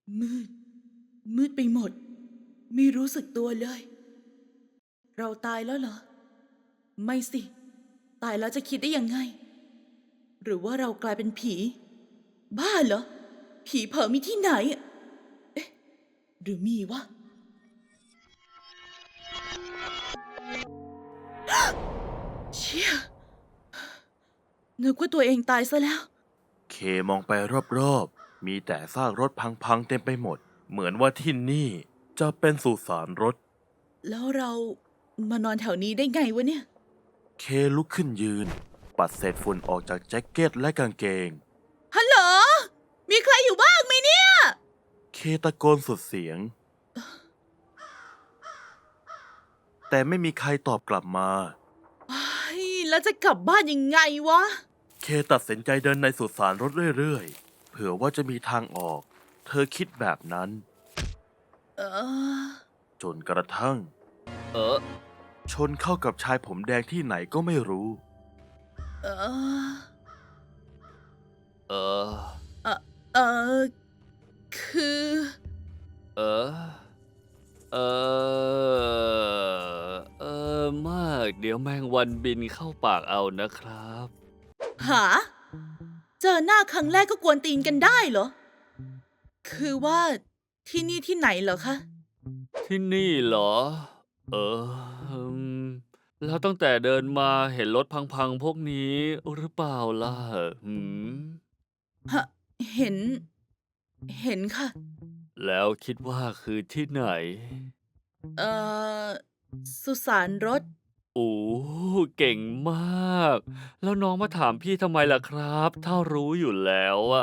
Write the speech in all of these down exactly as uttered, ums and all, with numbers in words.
มืด มืดไปหมด ไม่รู้สึกตัวเลย เราตายแล้วเหรอ ไม่สิ ตายแล้วจะคิดได้ยังไง หรือว่าเรากลายเป็นผี บ้าเหรอ ผีเผลอมีที่ไหน เอ๊ะ หรือมีวะ เชี่ย นึกว่าตัวเองตายซะแล้วเคมองไปรอบๆ มีแต่ซากรถพังๆเต็มไปหมด เหมือนว่าที่นี่จะเป็นสุสานรถแล้วเรามานอนแถวนี้ได้ไงวะเนี่ยเคลุกขึ้นยืน ปัดเศษฝุ่นออกจากแจ็คเก็ตและกางเกงฮัลโหล มีใครอยู่บ้างไหมเนี่ยเคตะโกนสุดเสียง แต่ไม่มีใครตอบกลับมาแล้วจะกลับบ้านยังไงวะเคตัดสินใจเดินในสุสานรถเรื่อยๆ เผื่อว่าจะมีทางออก เธอคิดแบบนั้นเออจนกระทั่งเออชนเข้ากับชายผมแดงที่ไหนก็ไม่รู้เออเออเออเออ คือเออ เออ เออ มาก เดี๋ยวแมงวันบินเข้าปากเอานะครับหา เจอหน้าครั้งแรกก็กวนตีนกันได้เหรอ คือว่าที่นี่ที่ไหนเหรอคะที่นี่เหรอ เอออืมแล้วตั้งแต่เดินมาเห็นรถพังๆพวกนี้หรือเปล่าล่ะหืมฮะ เห็น เห็นค่ะแล้วคิดว่าคือที่ไหนเอ่อ สุสานรถโอ้เก่งมาก แล้วน้องมาถามพี่ทำไมล่ะครับ ถ้ารู้อยู่แล้วอะ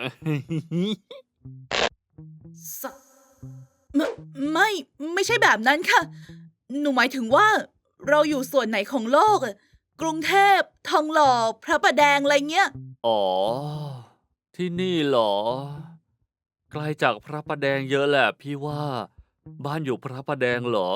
สัตว์ไม่ไม่ ไม่ใช่แบบนั้นค่ะ หนูหมายถึงว่า เราอยู่ส่วนไหนของโลกอะกรุงเทพ ทองหล่อ พระประแดงอะไรเงี้ยอ๋อ ที่นี่เหรอ ไกลจากพระประแดงเยอะแหละพี่ว่า บ้านอยู่พระประแดงเหรอ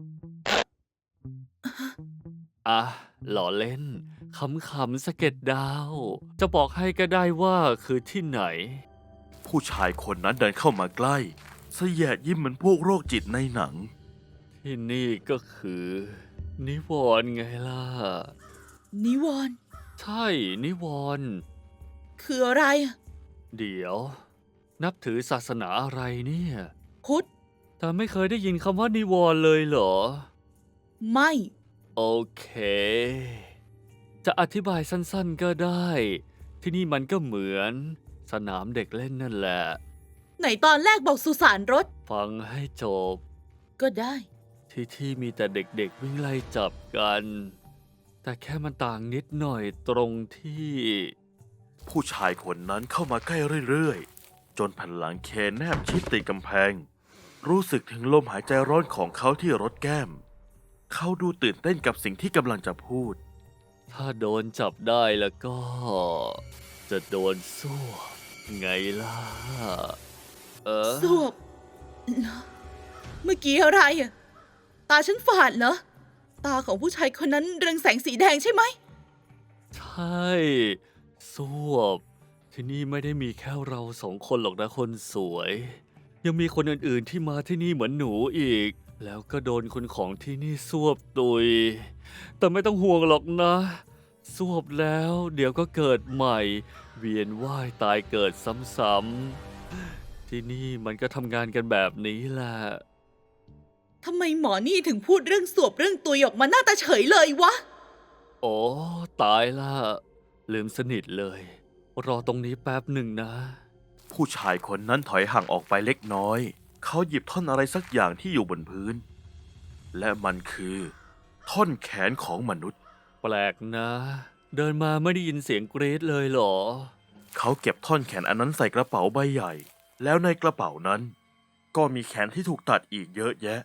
อ่ะหล่อเล่น ขำๆสะเก็ดดาว จะบอกให้ก็ได้ว่าคือที่ไหนผู้ชายคนนั้นเดินเข้ามาใกล้เสยดยิ้มเหมือนพวกโรคจิตในหนังที่นี่ก็คือ นิวรณ์ไงล่ะนิวรณ์ใช่นิวรณ์คืออะไรอะเดี๋ยว นับถือศาสนาอะไรเนี่ยพุทธแต่ไม่เคยได้ยินคำว่านิวรณ์เลยเหรอไม่โอเค จะอธิบายสั้นๆก็ได้ ที่นี่มันก็เหมือน สนามเด็กเล่นนั่นแหละไหนตอนแรกบอกสุสานรถฟังให้จบก็ได้ที่ที่มีแต่เด็กๆวิ่งไล่จับกัน แต่แค่มันต่างนิดหน่อยตรงที่ผู้ชายคนนั้นเข้ามาใกล้เรื่อยๆ จนแผ่นหลังเคนแนบชิดติดกำแพง รู้สึกถึงลมหายใจร้อนของเขาที่รถแก้ม เขาดูตื่นเต้นกับสิ่งที่กำลังจะพูดถ้าโดนจับได้แล้วก็ จะโดนสู้ไงล่ะ เออสวบเหรอเมื่อกี้อะไรอะตาฉันฝาดเหรอ ตาของผู้ชายคนนั้นเรืองแสงสีแดงใช่ไหมใช่สวบ ที่นี่ไม่ได้มีแค่เราสองคนหรอกนะคนสวย ยังมีคนอื่นๆที่มาที่นี่เหมือนหนูอีก แล้วก็โดนคนของที่นี่สวบตุย แต่ไม่ต้องห่วงหรอกนะ สวบแล้วเดี๋ยวก็เกิดใหม่ เวียนว่ายตายเกิดซ้ำๆ ที่นี่มันก็ทำงานกันแบบนี้แหละทำไมหมอนี่ถึงพูดเรื่องสวบเรื่องตุยออกมาหน้าตาเฉยเลยวะโอ้ตายละลืมสนิทเลย รอตรงนี้แป๊บหนึ่งนะผู้ชายคนนั้นถอยห่างออกไปเล็กน้อย เขาหยิบท่อนอะไรสักอย่างที่อยู่บนพื้น และมันคือ ท่อนแขนของมนุษย์แปลกนะ เดินมาไม่ได้ยินเสียงกรี๊ดเลยเหรอเขาเก็บท่อนแขนอันนั้นใส่กระเป๋าใบใหญ่ แล้วในกระเป๋านั้น ก็มีแขนที่ถูกตัดอีกเยอะแยะ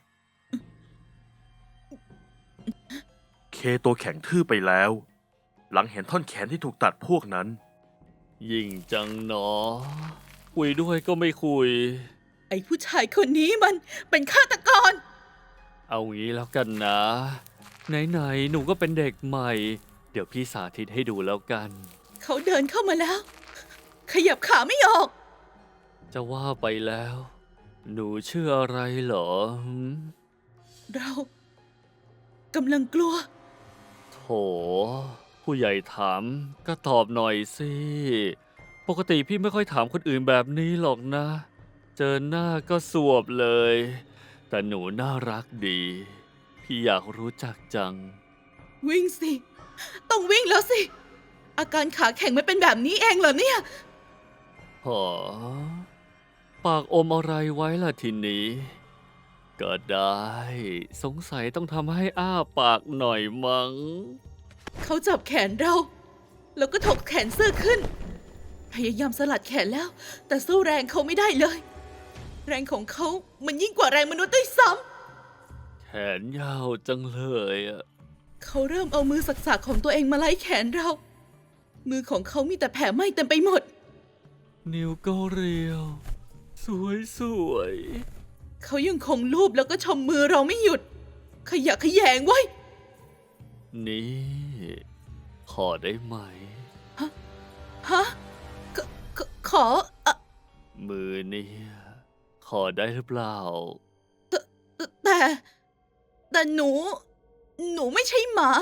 เคตัวแข็งทื่อไปแล้ว หลังเห็นท่อนแขนที่ถูกตัดพวกนั้นยิ่งจังเนาะคุยด้วยก็ไม่คุยไอ้ผู้ชายคนนี้มันเป็นฆาตกรเอางี้แล้วกันนะ ไหนๆหนูก็เป็นเด็กใหม่ เดี๋ยวพี่สาธิตให้ดูแล้วกันเขาเดินเข้ามาแล้ว ขยับขาไม่ออกจะว่าไปแล้วหนูชื่ออะไรเหรอหืมเรากำลังกลัวโถ ผู้ใหญ่ถามก็ตอบหน่อยสิ ปกติพี่ไม่ค่อยถามคนอื่นแบบนี้หรอกนะ เจอหน้าก็สวบเลย แต่หนูน่ารักดี พี่อยากรู้จักจังวิ่งสิ ต้องวิ่งแล้วสิ อาการขาแข็งไม่เป็นแบบนี้เองเหรอเนี่ยหอปากอมอะไรไว้ล่ะทีนี้ ก็ได้ สงสัยต้องทำให้อ้าปากหน่อยมั้งเขาจับแขนเรา แล้วก็ถกแขนเสื้อขึ้น พยายามสลัดแขนแล้ว แต่สู้แรงเขาไม่ได้เลย แรงของเขามันยิ่งกว่าแรงมนุษย์ด้วยซ้แขนยาวจังเลยอะำเขาเริ่มเอามือสักๆของตัวเองมาไล่แขนเรา มือของเขามีแต่แผลไหม้เต็มไปหมดนิ้วก็เรียว สวยสวยเขายังคงลูบแล้วก็ชมมือเราไม่หยุด ขยะแขยงไว้ยๆนี่ ขอได้ไหมฮะขขขออะมือเนี่ยขอได้หรือเปล่าแต่ แต่หนู หนูไม่ใช่หมา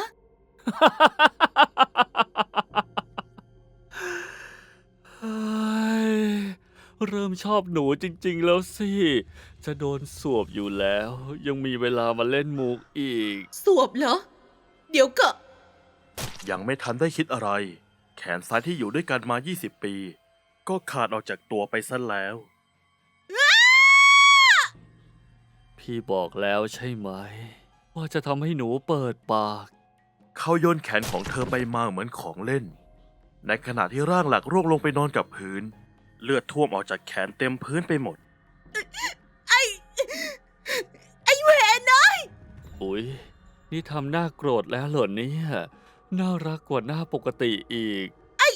เฮ้ยเริ่มชอบหนูจริงๆแล้วสิ จะโดนสวบอยู่แล้ว ยังมีเวลามาเล่นมุกอีกสวบเหรอ เดี๋ยวก็ยังไม่ทันได้คิดอะไร แขนซ้ายที่อยู่ด้วยกันมา ยี่สิบ ปี ก็ขาดออกจากตัวไปซะแล้วพี่บอกแล้วใช่ไหม ว่าจะทำให้หนูเปิดปากเขาโยนแขนของเธอไปมาเหมือนของเล่น ในขณะที่ร่างหลักร่วงลงไปนอนกับพื้น เลือดท่วมออกจากแขนเต็มพื้นไปหมดไอ้ ไอ้เวรนะอุ๊ย นี่ทำหน้าโกรธแล้วเหรอเนี่ย น่ารักกว่าหน้าปกติอีก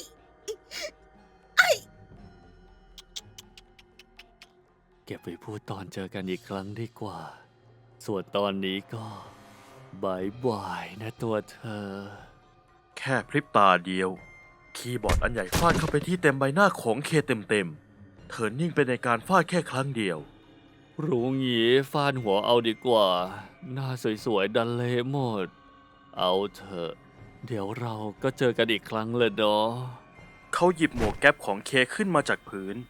เก็บไปพูดตอนเจอกันอีกครั้งดีกว่า ส่วนตอนนี้ก็บายบายนะตัวเธอแค่พริบตาเดียว คีย์บอร์ดอันใหญ่ฟาดเข้าไปที่เต็มใบหน้าของเคเต็มๆ เธอนิ่งไปในการฟาดแค่ครั้งเดียวรู้งี้ฟาดหัวเอาดีกว่า หน้าสวยๆ ดันเละหมด เอาเถอะ เดี๋ยวเราก็เจอกันอีกครั้งเลยเนาะเขาหยิบหมวกแก๊ปของเคขึ้นมาจากพื้น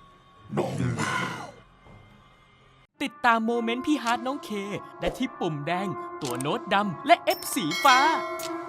ติดตามโมเมนต์พี่ฮาร์ดน้องเค ได้ที่ปุ่มแดง ตัวโน้ตดำ และ F สีฟ้า